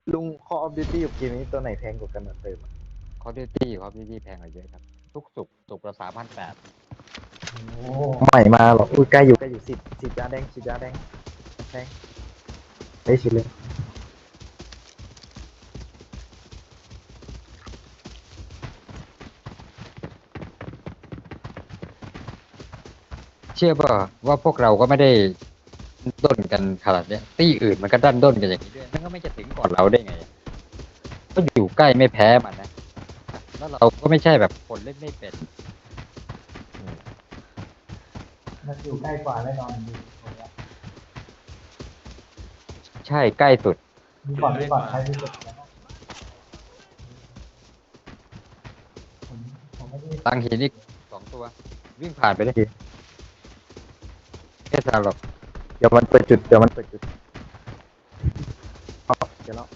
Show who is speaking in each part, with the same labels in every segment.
Speaker 1: ลุง Call of Duty กับเกมนี้ตัวไหนแพงกว่ากันอะเติมอะ
Speaker 2: คอร์ดิวตี้แพงกว่าเยอะครับทุกสุกละ3,800
Speaker 1: โอ้ใหม่มาหรออุ้ยใกล้อยู่ฉีดยาแดงแดงได้ฉีดเลย
Speaker 2: เชื่อป่ะว่าพวกเราก็ไม่ได้ด้นกันขนาดเนี้ยตี้อื่นมันก็ดันด้นกันอย่างนี้ด้วยมันก็ไม่จะถึงก่อนเราได้ไงก็อยู่ใกล้ไม่แพ้มันนะแล้วเราก็ไม่ใช่แบบคนเล่นไม่เป็น
Speaker 1: มันอยู่ใกล้กว่าแน่นอน
Speaker 2: ใช่ใกล้สุด
Speaker 1: มีก่อนใครที่สุดผมไม่ได้
Speaker 2: ตั้งหินอีก2 ตัววิ่งผ่านไปได้แค่ทางหรอก
Speaker 1: เดี๋ยวมันเปิดจุดอ๋อเดี๋ยวแล้ว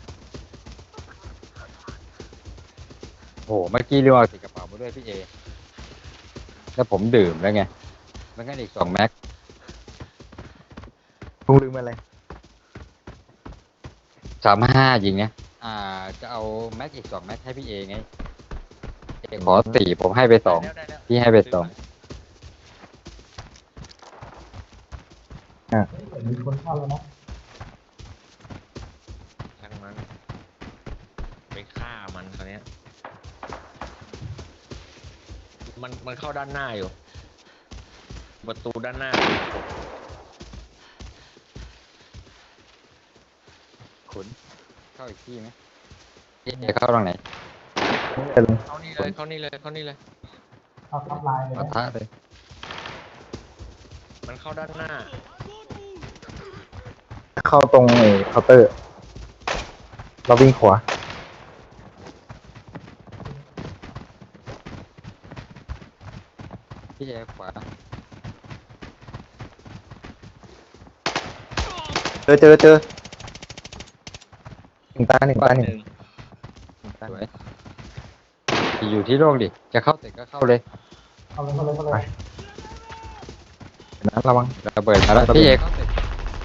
Speaker 2: โอ้โหเมื่อกี้เรียกว่าติดกระเป๋ามาด้วยพี่เอแล้วผมดื่มแล้วไงมันก็อีก2 แม็ก
Speaker 1: ลุงลืมอะไร
Speaker 2: 35ยิงนะจะเอาแม็กอีก2 แม็กให้พี่เอไงเอขอ4ผมให้ไป2
Speaker 3: ได้แล้ว
Speaker 2: พี่ให้ไป2
Speaker 1: มีคนเข้าแล้วนะ
Speaker 3: ช่างมันไปฆ่ามันคราวเนี้ยมันเข้าด้านหน้าอยู่ประตูด้านหน้า
Speaker 2: ขุนเข้าอีกที่ไหมพี่เอเข้าตรงไหน
Speaker 3: เข้านี่เลยเข้านี่เลยเข้านี่เลย
Speaker 1: เอาทับลายเลย
Speaker 2: ปะทะเลย
Speaker 3: มันเข้าด้านหน้า
Speaker 1: เข้าตรงเคาน์เตอร์เราวิ่งขวา
Speaker 2: พี่เอขวา
Speaker 1: เจอหนึ่งตา
Speaker 3: หนึ่ง
Speaker 2: สวยอยู่ที่โล่งดิจะเข้าตึกก็เข้าเลย
Speaker 1: เข้าเลยนะระวัง
Speaker 2: ระเบิดมาแล้วพี่เอเข้าตึก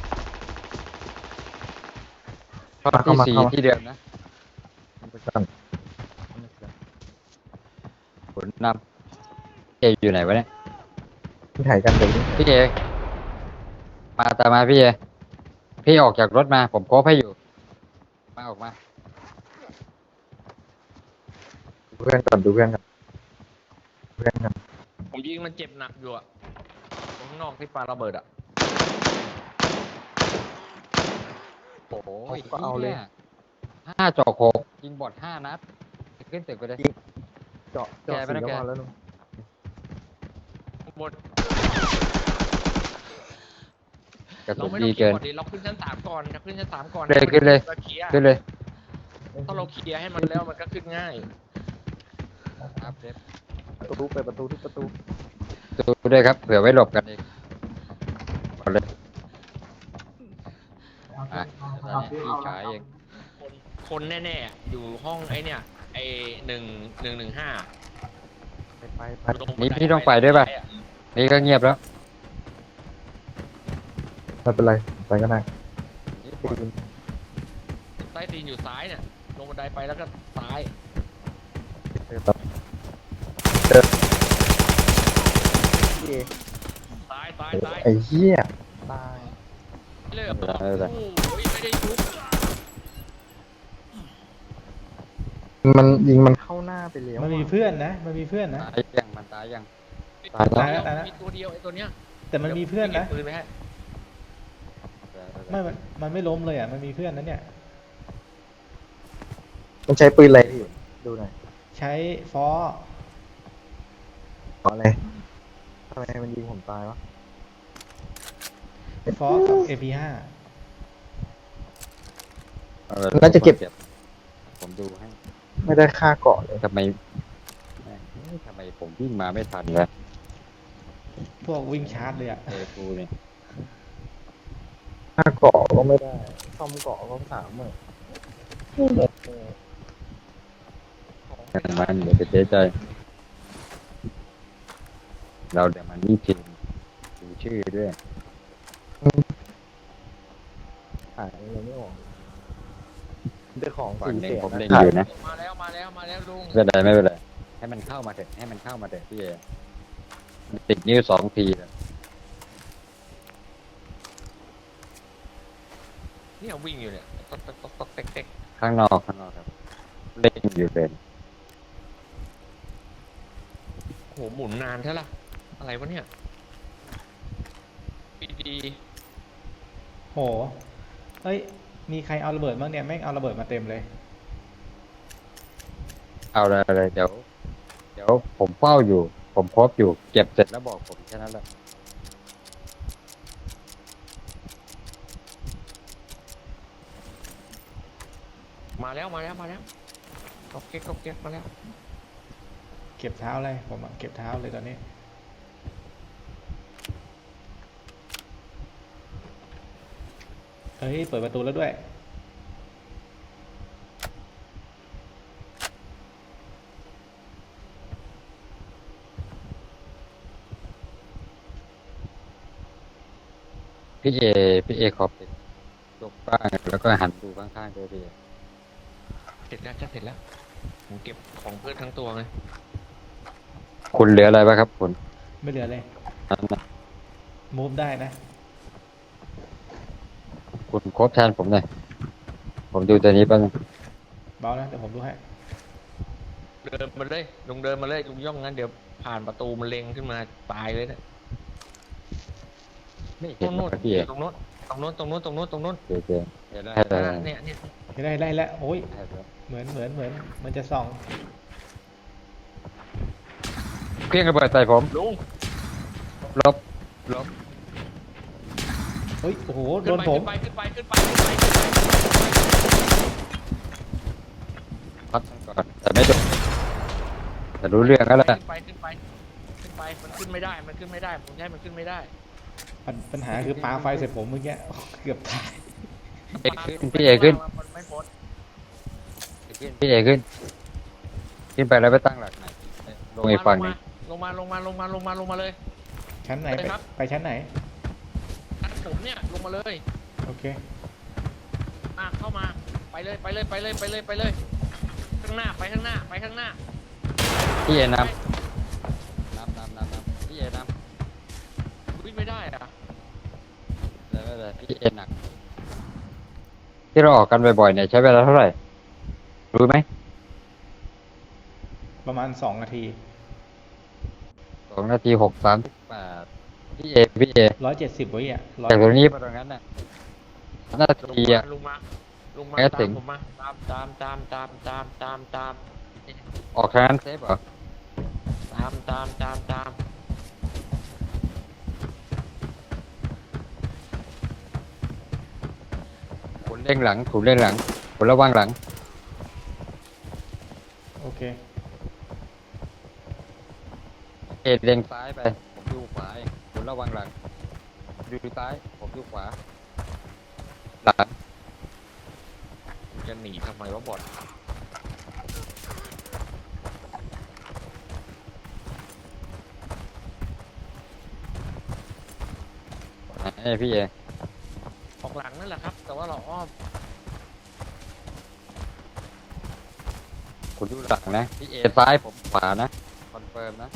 Speaker 2: เข้าที่4ที่เดิมนะ
Speaker 1: ไปก่อน
Speaker 2: ขุนนำเออยู่ไหนวะเนี่ย
Speaker 1: ที่ถ่ายกันเดี๋ยว
Speaker 2: พี่เอมาตามมาพี่เอพี่ออกจากรถมาผมโคฟให้อยู่มาออกมา
Speaker 1: ดูเพื่อนก่อนเพื่อนกัน
Speaker 3: ผมยิงมันเจ็บหนักอยู่อะตรงข้างนอกที่ปาระเบิดอะ
Speaker 2: โอ้โห
Speaker 1: ก็เอาเลย
Speaker 2: 5 เจาะ 6ยิงบอด5 นัดขึ้นตึกไปเลย
Speaker 1: เจาะสีก็พอแล้วลุง
Speaker 3: หมด
Speaker 2: กระ
Speaker 3: เรา
Speaker 2: สุน
Speaker 3: ไม่ต้
Speaker 2: ดี
Speaker 3: องเคลีย
Speaker 2: เกิ
Speaker 3: ร์
Speaker 2: น
Speaker 3: ก่อนดิเราขึ้นชั้น 3ก่อนเราขึ้นชั้น 3ก่อน
Speaker 2: เลยขึ้นเลย
Speaker 3: ราเคลียร์
Speaker 2: ขึ้นเลย
Speaker 3: ถ้าเราเคลียร์ให้มันแล้วมันก็ขึ้นง่าย
Speaker 2: ครับเดฟ
Speaker 1: เปิดประตูทุกประตู
Speaker 2: ดูด้วยครับเผื่อไว้หลบกันเองก่อนเลยตอนนี้พี่ชายเอง
Speaker 3: คนแน่ๆอยู่ห้องไอ้เนี่ยไอ้115
Speaker 1: ไป
Speaker 2: นี่พี่ต้องไปด้วยป่ะนี่ก็เงียบแล้ว
Speaker 1: ไม่เป็นไรไปก็ได้
Speaker 3: ใต้ตีนอยู่ซ้ายเนี่ยลงบันไดไปแล้วก็ซ้ายซ้าย
Speaker 1: ไอ้เหี้ยตาย
Speaker 3: เลือกโอ้ยไม่ได้ยุบ
Speaker 1: มันยิงมันเข้าหน้าไปแล้ว
Speaker 4: มันมีเพื่อนนะ
Speaker 2: ตายยังมันตายยัง
Speaker 4: ตายแล้ว
Speaker 3: มีตัวเดียวไอ้ตัวเนี้ย
Speaker 4: แต่มันมีเพื่อนนะ
Speaker 3: ปืนไปให้
Speaker 4: ไม่มันไม่ล้มเลยอ่ะ มันมีเพื่อนนะเนี่ย
Speaker 1: มันใช้ปืนอะไรพี่ดูหน่อย
Speaker 4: ใช้ฟอ
Speaker 1: อะไรทำไมมันยิงผมตายวะ
Speaker 4: ฟอกับ AP5
Speaker 1: น่าจะเก็บ
Speaker 2: ผมดูให้
Speaker 1: ไม่ได้ค่าเกาะเลย
Speaker 2: ทำไมผมวิ่งมาไม่ทันเลย
Speaker 4: พวกวิ่งชาร์จเลยอ่ะ
Speaker 2: เอฟูเนี่ย
Speaker 1: ค่าเกาะก็ไม่ได้ซ่อมเกาะก็30,000
Speaker 2: มันเดี๋ยวไปเสียใจเราเดี๋ยวมันนี่พิมพ์ดูชื่อด้วย
Speaker 1: ขายอะไรไม่ออกเจ้าของ
Speaker 2: ฝั่ง
Speaker 1: สี่
Speaker 2: หนึ่
Speaker 1: แส
Speaker 2: ง
Speaker 1: น
Speaker 2: ผมเล็ง
Speaker 1: นะ
Speaker 2: อยู่นะ
Speaker 3: มาแล้วมาแล้วมาแล้วลุง
Speaker 2: ไม่เป็นไรไม่เป็นไรให้มันเข้ามาเถอะให้มันเข้ามาเถอะพี่เอติดนิ้ว2 ทีแล้ว
Speaker 3: เนี่ยวิ่งอยู่เนี่ยต๊อกต๊อกต๊อกต๊อกเต๊กเต๊ก
Speaker 2: ข้างนอกครับเล่นอยู่เลย
Speaker 3: โหหมุนนานใช่ละอะไรวะเนี่ยดี
Speaker 4: โหเอ้ยมีใครเอาระเบิดบ้างเนี่ยแม่งเอาระเบิดมาเต็มเลย
Speaker 2: เอาเลยเดี๋ยวผมเฝ้าอยู่ ผมครบอยู่เก็บเสร็จแล้วบอกผมแค่นั้นแหละ
Speaker 3: มาแล้วมาแล้วมาแล้วก๊อกเก๊กก๊อกเก๊กมาแล้ว
Speaker 4: เก็บเท้าเลยผมอะเก็บเท้าเลยตอนนี้เฮ้ยเปิดประตูแล้วด้วย
Speaker 2: พี่เอขอปิดยกบ้างแล้วก็หันดูข้างๆด้วยพี่เอ
Speaker 3: เสร็จแล้วจะเสร็จแล้วผมเก็บของเพื่อนทั้งตัวไง
Speaker 2: คุณเหลืออะไรบ้างครับคุณ
Speaker 4: ไม่เหลือเลย
Speaker 2: นั่นนะ
Speaker 4: มูฟได้นะ
Speaker 2: คุณครบแทนผมหน่อยผมดูตัวนี้แป๊บนึง
Speaker 4: เบานะเดี๋ยวผมดูให้
Speaker 3: เดินมาเลยลุงเดินมาเลยลุงย่องงั้นเดี๋ยวผ่านประตูมันเล็งขึ้นมาตายเลยนะ
Speaker 2: ไม่
Speaker 3: ต
Speaker 2: เห็
Speaker 3: ร
Speaker 2: น
Speaker 3: ง
Speaker 2: หรอ
Speaker 3: โน้น
Speaker 2: กพี่เอ
Speaker 3: ตรงโน้นตรงโน้นตรงโน้นตรงโน้นตรงโน้น
Speaker 2: เจเห็นแล้ว
Speaker 3: เนี่ยเนี่ย
Speaker 4: ได้แล้วโอ้ย
Speaker 2: เห็นแล้ว
Speaker 4: เหมือนมันจะส่อง
Speaker 2: เครื่องระเบิดใส่ผม
Speaker 3: ลุง
Speaker 2: ลบ
Speaker 4: เฮ้ยโอ้โหโด
Speaker 3: ขึ้น
Speaker 4: น
Speaker 3: ไป
Speaker 4: ผม
Speaker 3: ขึ้นไปขึ้นไปขึ้นไปขึ้นไปขึ้นไป
Speaker 2: พักก่อนแต่ไม่โดนแต่รู้เรื่องแล้วแหละ
Speaker 3: ขึ้นไปขึ้นไปขึ้นไปมันขึ้นไม่ได้มันขึ้นไม่ได้ผมให้มันขึ้นไม่ได้
Speaker 4: ปัญหาคือปาไฟใส่ผมเมื่อกี้เกือบตาย
Speaker 2: พี่เอขึ้น
Speaker 3: มันไม่พ้น
Speaker 2: พี่เอขึ้นไปแล้วไปตั้งหลักไหนลงอีกฝั่งหนึง
Speaker 3: ลงมาเลย
Speaker 4: ชั้นไหน
Speaker 3: เลยครับ
Speaker 4: ไปชั้นไหน
Speaker 3: อันผมเนี่ยลงมาเลย
Speaker 4: โอเค
Speaker 3: มาเข้ามาไปเลยไปเลยไปเลยไปเลยไปเลยข้างหน้าไปข้างหน้าไปข้างหน้า
Speaker 2: พี่เอนำพี่เอนำ
Speaker 3: วิ่งไม่ได้อะ
Speaker 2: เลยพี่เอหนักที่เราออกกันบ่อยๆเนี่ยใช้เวลาเท่าไหร่รู้ไหม
Speaker 4: ประมาณ2 นาที
Speaker 2: 2 นาที 6:38พี่เอ
Speaker 4: 170วิอ่ะ
Speaker 2: จากตรงนี้ไปตรงนั้นน่ะนาทีอะ
Speaker 3: ลงมา
Speaker 2: แค่ถึ
Speaker 3: ตาม
Speaker 2: ง
Speaker 3: ผมมาตาม
Speaker 2: ออกทางนั้นเซฟเหรอ
Speaker 3: ตาม
Speaker 2: คุณเร่งหลังคุณระวังหลัง
Speaker 4: โอเค
Speaker 2: เอเร่งซ้ายไปผมดูขวาเองคุณระวังหลังดูซ้ายผมดูขวาหลัง
Speaker 3: จะหนีทำไมวะบอล
Speaker 2: พี่เอ
Speaker 3: ออกหลังนั่นแหละครับ แต่ว่าเราอ้อม
Speaker 2: คุณดูหลังนะพี่เอซ้ายผมขวานะคอนเฟิร์มนะ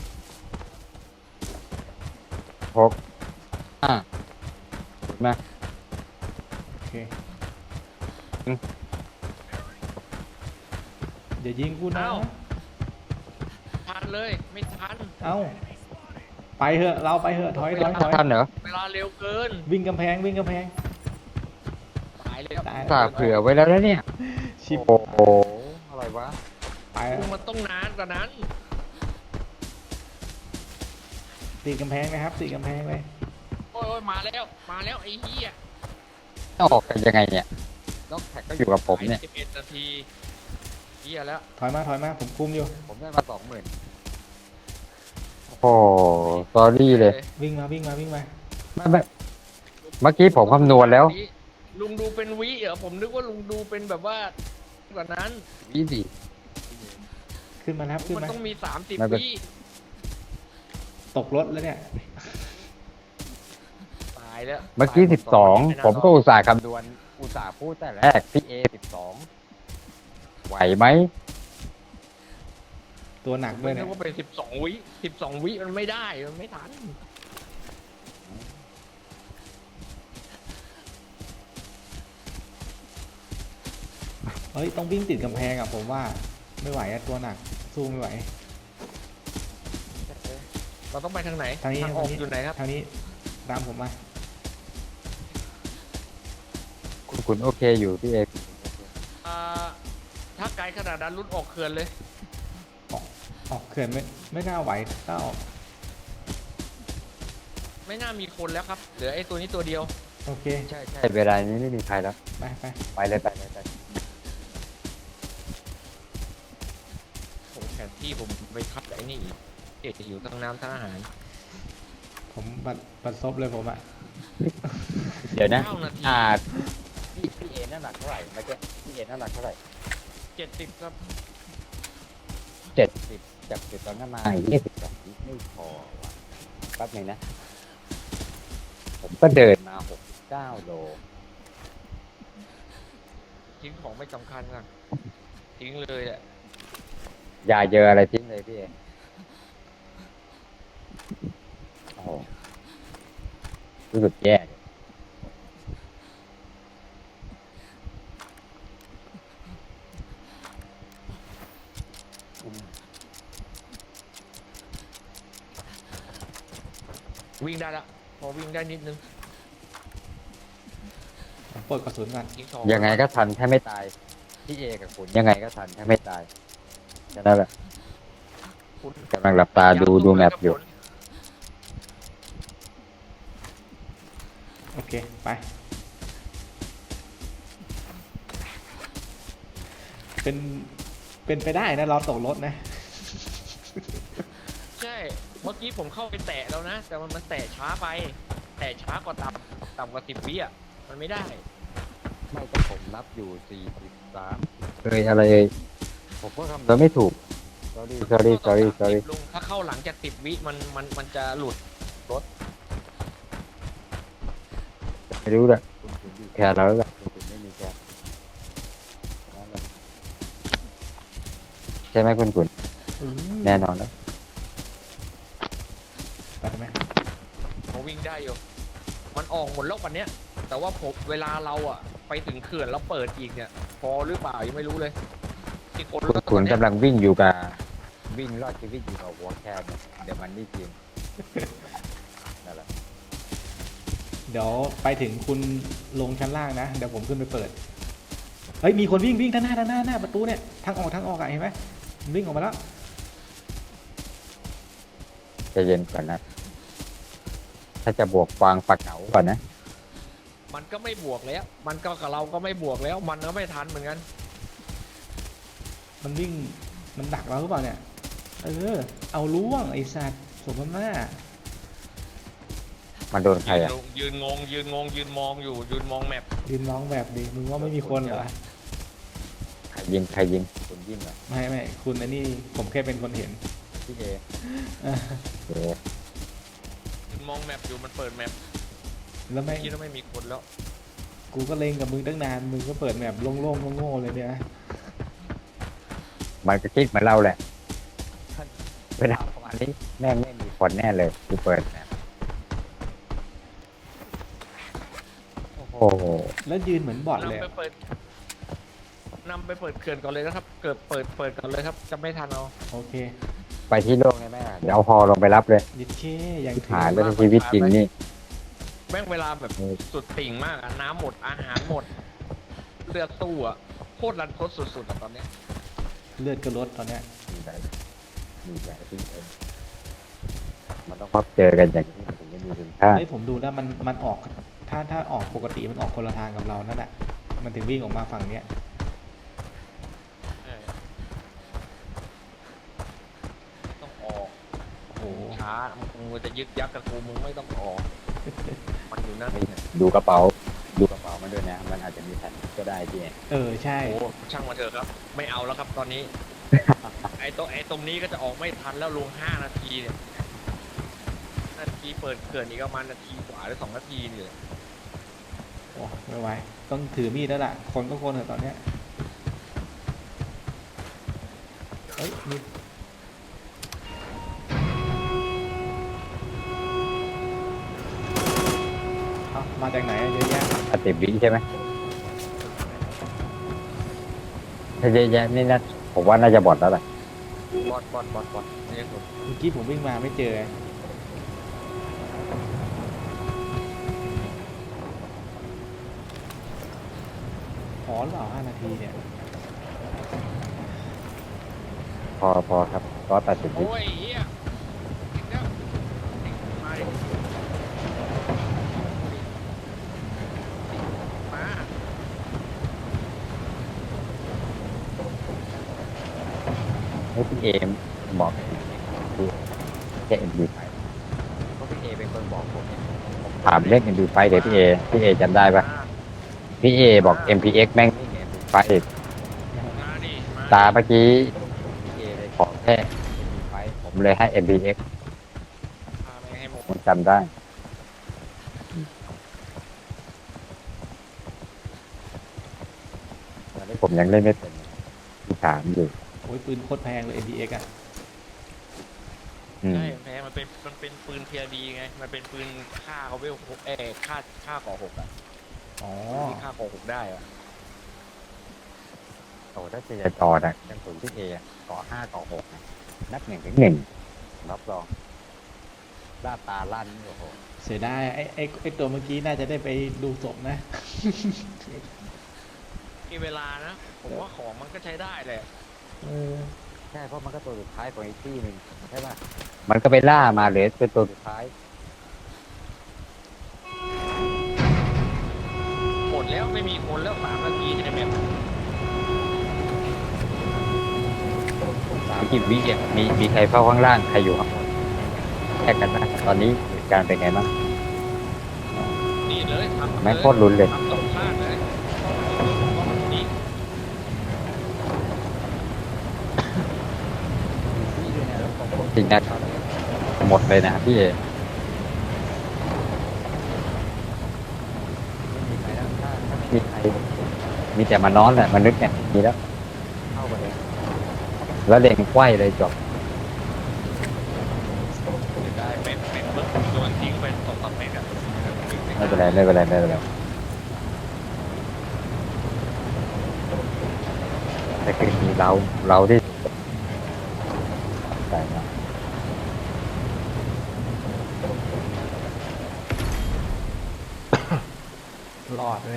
Speaker 2: 6 5นะ
Speaker 4: โอเค
Speaker 2: อืม
Speaker 4: อย่ายิงกูนะ
Speaker 3: ทันเลยไม่ทัน
Speaker 4: เอ้าไปเถอะเราไปเถอะถอย
Speaker 2: ทันเหรอ
Speaker 3: เวลาเร็วเกิน
Speaker 4: วิ่งกำแพง
Speaker 3: ตายเลย
Speaker 4: ตาย
Speaker 2: สาเผื่อไว้แล้วนะเนี่ย
Speaker 4: ชิบ
Speaker 2: โอ้โหอะไรวะ
Speaker 4: ไป
Speaker 3: ลุงมันต้องนานกว่านั้น
Speaker 4: ตีกำแพงนะครับตีกำแพงเลย
Speaker 3: โอ้ยมาแล้วไอ้เหี้ย
Speaker 2: ออกกันยังไงเนี่ยล็อกแท็กก็อยู่กับผมเนี่ย
Speaker 3: 11 นาทีเหี้ยแล้ว
Speaker 4: ถอยมาผมคุมอยู่
Speaker 2: ผมได้มา 20,000โอ้โหสอรี่เลย
Speaker 4: วิ่งมา
Speaker 2: ไม่เมื่อกี้ผมคำนวณแล้ว
Speaker 3: ลุงดูเป็นวิเหรอผมนึกว่าลุงดูเป็นแบบว่ากว่านั้น
Speaker 2: วิสิ
Speaker 4: ขึ้นมาครับขึ้น
Speaker 3: มัน
Speaker 4: มา
Speaker 3: ต้องมี
Speaker 2: ไม่เป็น
Speaker 3: 30 วิ
Speaker 4: ตกรถแล้วเนี่ย
Speaker 3: ตายแล้ว
Speaker 2: เมื่อกี้
Speaker 3: ตายหด
Speaker 2: 12ผมก็อุตส่าห์คำนวณอุตส่าห์พูดแต่แรกพี่เอ12 ไหวไหม
Speaker 4: ตัวหนักด้วย
Speaker 3: นึ
Speaker 4: เนี่ย
Speaker 3: กว่าเป็น12 วิมันไม่ได้มันไม่ทัน
Speaker 4: เฮ้ยต้องวิ่งติดกำแพงอ่ะผมว่าไม่ไหวอะตัวหนักสู้ไม่ไหว
Speaker 3: เราต้องไปทางไหน
Speaker 4: ทางนี้
Speaker 3: ออกอยู่ไหนครับ
Speaker 4: ทางนี้ตามผมมา
Speaker 2: คุณโอเคอยู่พี่เอก
Speaker 3: อ่าถ้าไกลขนาดนั้นรุดออกเขื่อนเลย
Speaker 4: ออกเขื่อนไม่น่าไหวถ้าออก
Speaker 3: ไม่น่ามีคนแล้วครับเหลือไอ้ตัวนี้ตัวเดียว
Speaker 4: โอเค
Speaker 2: ใช่เวลานี้ไม่มีใครแล้ว
Speaker 4: ไปไป
Speaker 2: ไปเลยไป
Speaker 3: โอ้แผนที่ผมไปทับกับไอ้นี่อีกเกจะอยู่ทั้งน้ำทั้งอาหาร
Speaker 4: ผมบัดซบเลยผมอ่ะ
Speaker 2: เดี๋ยวนะ
Speaker 3: 9 นาที
Speaker 2: พี่เอน้ำหนักเท่าไหร่เมื่อกี้พี่เอน้ำหนักเท่าไหร่
Speaker 3: 70ครับ
Speaker 2: 70จากจุดตอนนั้นมาอีก22ไม่พอว่ะแป๊บนึงนะ ผมก็เดินมา69 โล
Speaker 3: ทิ้งของไม่สำคัญกันทิ้งเลยแหละ
Speaker 2: อย่าเจออะไรทิ้งเลยพี่เอโอ้โหรู้สึกแย่เลย
Speaker 3: วิ่งได้ละพอวิ่งได้นิดนึง
Speaker 4: ผมเปิดกระสุนก่อน
Speaker 3: ทิ้งของ
Speaker 2: ยังไงก็ทันถ้าไม่ตาย พี่เอกับคุณยังไงก็ทันถ้าไม่ตายแค่นั้นแหละ
Speaker 3: คุณ
Speaker 2: กำลังหลับตาดูแมปอยู่
Speaker 4: โอเคไปเป็นไปได้นะเราตกรถนะ
Speaker 3: ใช่เมื่อกี้ผมเข้าไปแตะแล้วนะ แต่มันแตะช้าไป แตะช้ากว่าต่ำกว่า10 วิอ่ะมันไม่ได้
Speaker 2: ไม่ก็ผมนับอยู่43อะไรผมก็ทำแล้วไม่ถูก sorry
Speaker 3: ลุงถ้าเข้าหลังจาก10 วิมันจะหลุด
Speaker 2: ไม่รู้แหละคุณอยู่แคร์เราแล้วแหละคุณไม่มีแคร์นั่นแหละใช่ไหมคุณ
Speaker 4: อืม
Speaker 2: แน่นอนแล้ว
Speaker 4: ไปทำไม
Speaker 3: ผมวิ่งได้อยู่ มันออกหมดแล้ววันเนี้ย แต่ว่าผมเวลาเราอ่ะไปถึงเขื่อนแล้วเปิดอีกเนี่ย พอหรือเปล่ายังไม่รู้เลยที่คนแล้วต
Speaker 2: คุ
Speaker 3: อ
Speaker 2: ณ
Speaker 3: นเนี้ย
Speaker 2: กำลังวิ่งอยู่กับวิ่งรอดชีวิตอยู่กับหัวแคร์เนี่ยเดี๋ยวมันไม่จริงนั่นแหละ
Speaker 4: เดี๋ยวไปถึงคุณลงชั้นล่างนะเดี๋ยวผมขึ้นไปเปิดเฮ้ยมีคนวิ่งด้านหน้าประตูเนี่ยทางออกอะเห็นไหมมันวิ่งออกมาแล้ว
Speaker 2: ใจเย็นก่อนนะ ถ้าจะบวกฟางปักเหงาก่อนนะ
Speaker 3: มันก็ไม่บวกแล้ว มันก็กับเราก็ไม่บวกแล้ว มันก็ไม่ทันเหมือนกัน
Speaker 4: มันวิ่งมันดักเราหรือเปล่าเนี่ยเอาล่วงไอ้สัตว์สมน้า
Speaker 2: มันโดนใครอ่ะ
Speaker 3: ยืนงงยืนมองอยู่ยืนมองแมป
Speaker 4: ยืนร้องแบบดีมึงว่าไม่มีคนเหรอ
Speaker 2: ใครยิงคุณยิงเหรอ
Speaker 4: ไม่คุณอันนี้ผมแค่เป็นคนเห็น
Speaker 2: พี่เอ
Speaker 4: เออ
Speaker 2: โอ้
Speaker 3: ยืนมองแมปอยู่มันเปิดแมป
Speaker 4: แล้วไม่
Speaker 3: คิดว่าไม่มีคนแล้ว
Speaker 4: กูก็เล็งกับมึงตั้งนานมึงก็เปิดแบบโล่งๆโง่ๆเลยเนี่ย
Speaker 2: มันก็คิดเหมือนเราแหละเวลาประมาณนี้แม่งไม่มีคนแน่เลยกูเปิดนะโอ้โห
Speaker 4: แล้วยืนเหมือนบอทเลย
Speaker 3: นำไปเปิดเขื่อนก่อนเลยนะครับเกิดเปิดก่อนเลยครับจะไม่ทันเอา
Speaker 4: โอเค
Speaker 2: ไปที่โล่งได้ไหมอะเดี๋ยวเอาฮอลงไปรับเลย
Speaker 4: ยิดเช่ยังถึง
Speaker 2: หายแล้วในชีวิตจริงนี่
Speaker 3: แม่งเวลาแบบสุดติ่งมากอะน้ำหมดอาหารหมดเลือดตู้อะโคตรรันทดสุดๆอะตอนเนี้ย
Speaker 4: เลือดก็ลดตอนเนี้ย
Speaker 2: มีใจที่เองมันต้องพบเจอกันอย่างนี้มันถึงจะมีคุณค่า
Speaker 4: เฮ้ยผมดูแล้วมันออกถ้าออกปกติมันออกคนละทางกับเรานั่นแหละมันถึงวิ่งออกมาฝั่งเนี้ย
Speaker 3: เออต้องออก
Speaker 4: โอ้โห
Speaker 3: ช้ามึงจะยึกยักกับกูมึงไม่ต้องออกมันอยู่นั่น
Speaker 2: ดูกระเป๋ามันด้วยนะ มันอาจจะมีแผ่นก็ได้พี่
Speaker 4: ใช่
Speaker 3: โอ้ช่างมาเถอะครับ ไม่เอาแล้วครับตอนนี้ ไอ้ตรงนี้ก็จะออกไม่ทันแล้วลง5 นาทีเนี่ยนาทีเปิดเขื่อนอีกประมาณนาทีกว่าหรือ2 นาทีเนี่ย
Speaker 4: โอ้ไม่ไหวต้องถือมีดแล้วล่ะคนก็คนเถอะตอนเนี้ยฮ้ยมีเอ้ามาจากไหนอะเยอะแยะ
Speaker 2: 10 วิใช่ไหมถ้าเยอะแยะนี่นะผมว่าน่าจะบอดแล้วแหละ
Speaker 3: บอดนี่ผม
Speaker 4: เมื่อกี้ผมวิ่งมาไม่เจอพอหรือเปล่า5 นาทีเนี่ย
Speaker 2: พอครับ180 วิ
Speaker 3: โอ้ยเฮียอีกแล้วมาดิมา
Speaker 2: ให้พี่เอมบอกแค่ MP5 เพราะพี่เอเป็นคนบอกผมถามเรื่อง MP5 เดี๋ยวพี่เอจำได้ปะพี่เอบอก MPX แม่งนี่ไง MP5
Speaker 3: มาดิมา
Speaker 2: ตาเมื่อกี้พี่เอเลยขอแค่ MP5 ผมเลยให้ MPX
Speaker 3: พาไปให้หมด
Speaker 2: ผมจำได้ตอนนี้ผมยังเล่นไม่เป็นที่ถามอยู่
Speaker 4: โอ้ยปืนโคตรแพงเลย MPX อ่ะ
Speaker 2: อืม
Speaker 3: ใช่แพ้มันเป็นปืนเทียดีไง มันเป็นปืนฆ่าเขาเวลฆ่าก่อหกอ่ะ
Speaker 4: อ๋อ
Speaker 3: ที่ฆ่าก่อหกได้อ่ะ
Speaker 2: โอ้ถ้าเจยจอนะยังสูงที่เอก่อ5ก่อ6นะนับ1 ถึง 1รับรองล่าตาลั่นโอ้โห
Speaker 4: เสียดายไอ้ตัวเมื่อกี้น่าจะได้ไปดูศพนะ
Speaker 3: มีเวลานะ ผมว่าของมันก็ใช้ได้แหละ
Speaker 4: เออ
Speaker 2: ใช่เพราะมันก็ตัวสุดท้ายของอีกที่หนึ่งใช่ป่ะมันก็ไปล่ามาเลยเป็นตัวสุดท้าย
Speaker 3: หมดแล้วไม่มีคนแล้ว3 นาทีในแมป
Speaker 2: 30 วิอ่ะมีใครเฝ้าข้างล่างใครอยู่ข้างบนแยกกันนะตอนนี้เหตุการณ์เป็นไงบ้าง
Speaker 3: นี่เลยทำ
Speaker 2: แม่งโคตรลุ้นเลย
Speaker 3: ทำตรงข้างเลยต้องนี่
Speaker 2: จริงนะหมดเลยนะพี่เอมีใครมีแต่มานอนแหละมนุษย์เนี่ยมีแล้วเข้าไปเลยแล้วเล็งไขว้เลยจบ
Speaker 3: ได้เป็นเบิร์ดโดนทิ้งไป2-3 เมตรอ่ะ
Speaker 2: ไม่เป็นไรแต่คือมีเราที่ใส่มาร
Speaker 4: อดเลย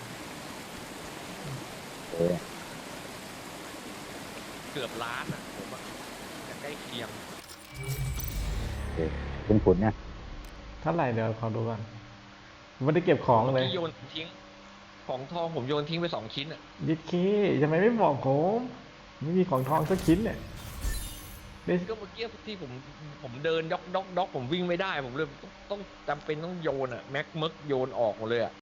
Speaker 2: เออ
Speaker 3: เกือบล้านอ่ะผมอ่ะแต่ใกล้เคียง
Speaker 2: คุณเนี่ย
Speaker 4: เท่าไหร่เดี๋ยวขอดูก่อนไม่ได้เก็บของเลย
Speaker 3: ที่โยนทิ้งของทองผมโยนทิ้งไป2 ชิ้นอ่ะ
Speaker 4: ยิดเคทำไมไม่บอกผม ไม่มีของทองสักชิ้นเนี่ยได้
Speaker 3: ก็เมื่อกี้ที่ผมเดินด็อกผมวิ่งไม่ได้ผมเลยต้องจำเป็นต้องโยนอ่ะแม็กมึกโยนออกหมดเลยอ่ะ